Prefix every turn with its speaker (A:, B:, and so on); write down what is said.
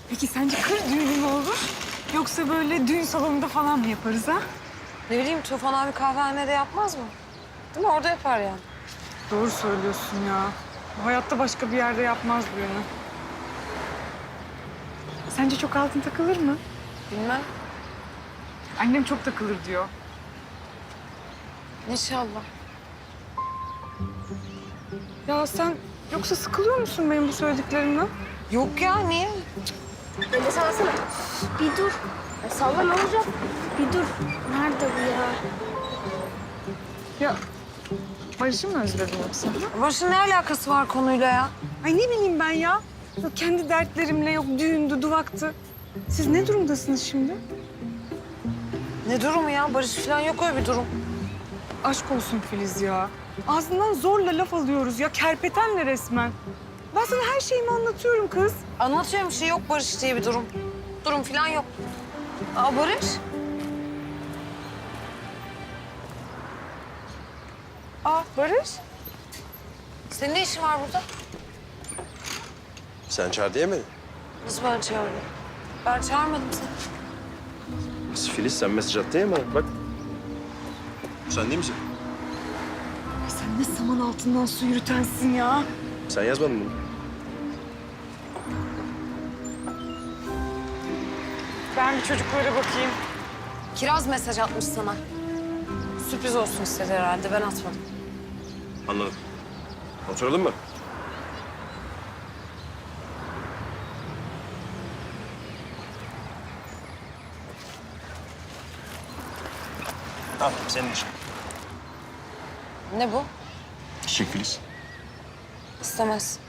A: Peki sence kır düğünü mü olur? Yoksa böyle düğün salonunda falan mı yaparız ha?
B: Ne bileyim Tufan abi kahvehanede yapmaz mı? Değil mi? Orada yapar yani.
A: Doğru söylüyorsun ya. Hayatta başka bir yerde yapmaz bu yani. Sence çok altın takılır mı?
B: Bilmem.
A: Annem çok takılır diyor.
B: İnşallah.
A: Ya sen yoksa sıkılıyor musun benim bu söylediklerimden?
B: Yok ya niye?
C: Hadi sallasana. Bir dur. Ya salla ne olacak? Bir dur. Nerede bu ya?
A: Ya Barış'ı mı özledin yoksa?
B: Barış'ın ne alakası var konuyla ya?
A: Ay ne bileyim ben ya. Yok kendi dertlerimle, yok düğündü, duvaktı. Siz ne durumdasınız şimdi?
B: Ne durumu ya? Barış falan yok öyle bir durum.
A: Aşk olsun Filiz ya. Ağzından zorla laf alıyoruz ya. Kerpetenle resmen. Ben sana her şeyimi anlatıyorum kız.
B: Anlatıyorum bir şey yok Barış diye bir durum. Durum falan yok. Aa Barış?
A: Aa Barış.
B: Senin ne işin var burada?
D: Sen çağır diye mi?
B: Nasıl ben çağırdım? Ben çağırmadım seni.
D: Kız Filiz sen mesaj attın ya bana bak. Sen değil misin?
A: Ay sen ne saman altından su yürütensin ya.
D: Sen yazmadın bunu.
A: Ben bir çocuklara bakayım.
B: Kiraz mesaj atmış sana. Sürpriz olsun istedi herhalde. Ben atmadım.
D: Anladım. Oturalım mı? Al senin için.
B: Ne bu?
D: Çiçek Filiz.
B: İstemez.